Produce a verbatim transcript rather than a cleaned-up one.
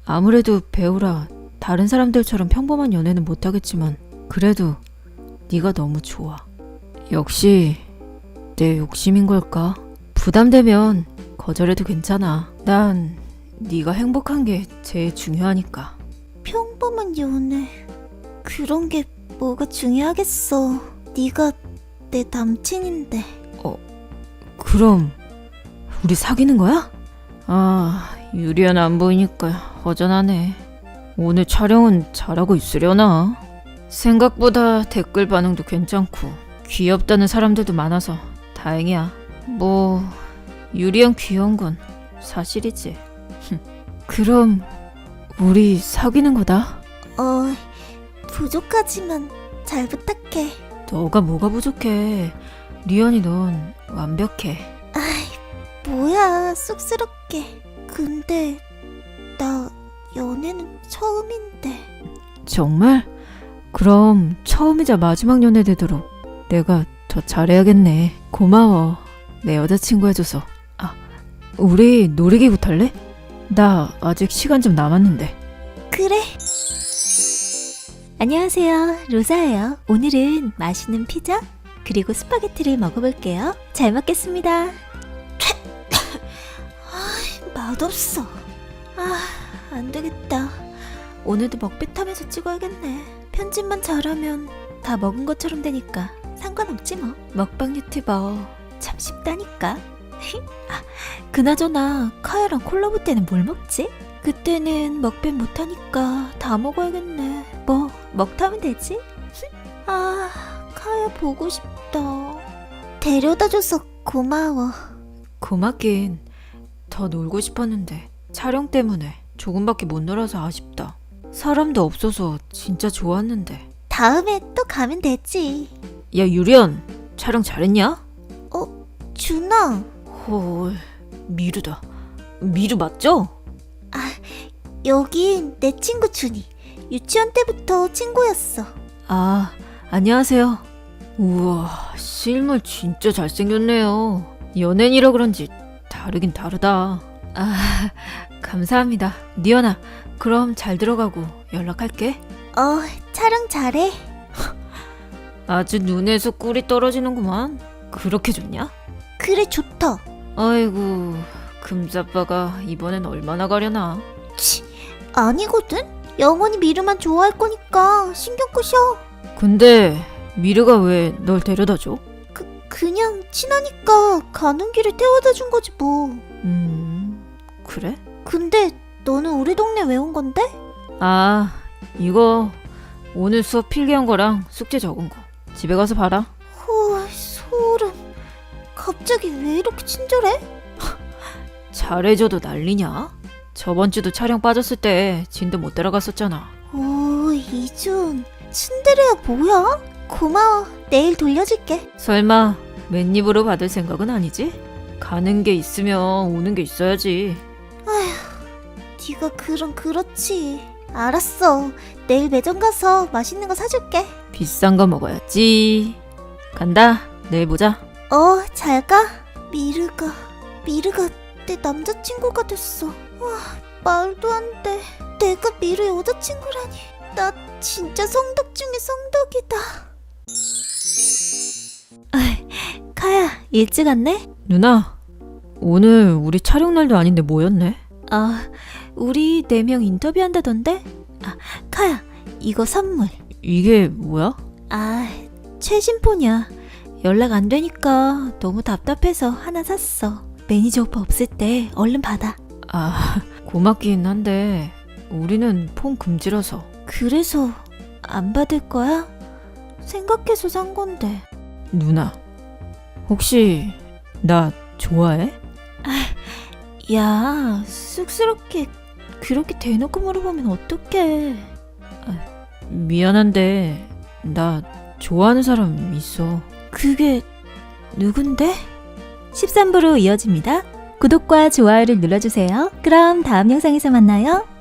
아무래도 배우라 다른 사람들처럼 평범한 연애는 못하겠지만 그래도 네가 너무 좋아. 역시 내 욕심인 걸까? 부담되면 거절해도 괜찮아. 난 네가 행복한 게 제일 중요하니까. 평범한 연애 그런 게 뭐가 중요하겠어. 네가 내 남친인데. 그럼 우리 사귀는 거야? 아, 유리안 안 보이니까 허전하네. 오늘 촬영은 잘하고 있으려나? 생각보다 댓글 반응도 괜찮고 귀엽다는 사람들도 많아서 다행이야. 뭐 유리안 귀여운 건 사실이지. 그럼 우리 사귀는 거다? 어, 부족하지만 잘 부탁해. 너가 뭐가 부족해. 리안이 넌 완벽해. 뭐야, 쑥스럽게. 근데 나 연애는 처음인데. 정말? 그럼 처음이자 마지막 연애 되도록 내가 더 잘해야겠네. 고마워. 내 여자친구 해줘서. 아, 우리 놀이기구 탈래? 나 아직 시간 좀 남았는데. 그래. 안녕하세요, 로사예요. 오늘은 맛있는 피자 그리고 스파게티를 먹어볼게요. 잘 먹겠습니다. 아, 맛없어. 아, 안 되겠다. 오늘도 먹배 타면서 찍어야겠네. 편집만 잘하면 다 먹은 것처럼 되니까 상관없지 뭐. 먹방 유튜버 참 쉽다니까. 아, 그나저나 카야랑 콜라보 때는 뭘 먹지? 그때는 먹배 못하니까 다 먹어야겠네. 뭐 먹타면 되지? 아, 카야 보고 싶다. 데려다줘서 고마워. 고맙긴. 더 놀고 싶었는데 촬영 때문에 조금밖에 못 놀아서 아쉽다. 사람도 없어서 진짜 좋았는데. 다음에 또 가면 되지. 야, 유리언, 촬영 잘했냐? 어, 준아. 헐, 미루다. 미루 맞죠? 여긴 내 친구 준이. 유치원 때부터 친구였어. 아, 안녕하세요. 우와, 실물 진짜 잘생겼네요. 연예인이라 그런지 다르긴 다르다. 아, 감사합니다. 니연아, 그럼 잘 들어가고 연락할게. 어, 촬영 잘해. 아주 눈에서 꿀이 떨어지는구만. 그렇게 좋냐? 그래, 좋다. 아이고, 금사빠가 이번엔 얼마나 가려나. 치, 아니거든? 영원히 미르만 좋아할 거니까 신경 끄셔. 근데 미르가 왜 널 데려다 줘? 그, 그냥 친하니까 가는 길에 태워다 준 거지 뭐. 음, 그래? 근데 너는 우리 동네 왜 온 건데? 아, 이거 오늘 수업 필기한 거랑 숙제 적은 거. 집에 가서 봐라. 헐, 소름. 갑자기 왜 이렇게 친절해? 잘해줘도 난리냐? 저번 주도 촬영 빠졌을 때 진도 못 따라갔었잖아. 오, 이준. 츤데레야 뭐야? 고마워. 내일 돌려줄게. 설마 맨입으로 받을 생각은 아니지? 가는 게 있으면 오는 게 있어야지. 네가 그럼 그렇지. 알았어. 내일 매점 가서 맛있는 거 사줄게. 비싼 거 먹어야지. 간다. 내일 보자. 어, 잘 가. 미르가, 미르가 내 남자친구가 됐어. 와, 말도 안 돼. 내가 미르 여자친구라니. 나 진짜 성덕 중에 성덕이다. 아, 카야, 일찍 왔네? 누나, 오늘 우리 촬영 날도 아닌데 뭐였네? 아, 우리 네 명 인터뷰한다던데? 아, 카야, 이거 선물. 이게 뭐야? 아, 최신 폰이야. 연락 안 되니까 너무 답답해서 하나 샀어. 매니저 오빠 없을 때 얼른 받아. 아, 고맙긴 한데 우리는 폰 금지라서. 그래서 안 받을 거야? 생각해서 산 건데. 누나, 혹시 나 좋아해? 야, 쑥스럽게 그렇게 대놓고 물어보면 어떡해. 미안한데 나 좋아하는 사람 있어. 그게 누군데? 십삼 부로 이어집니다. 구독과 좋아요를 눌러주세요. 그럼 다음 영상에서 만나요.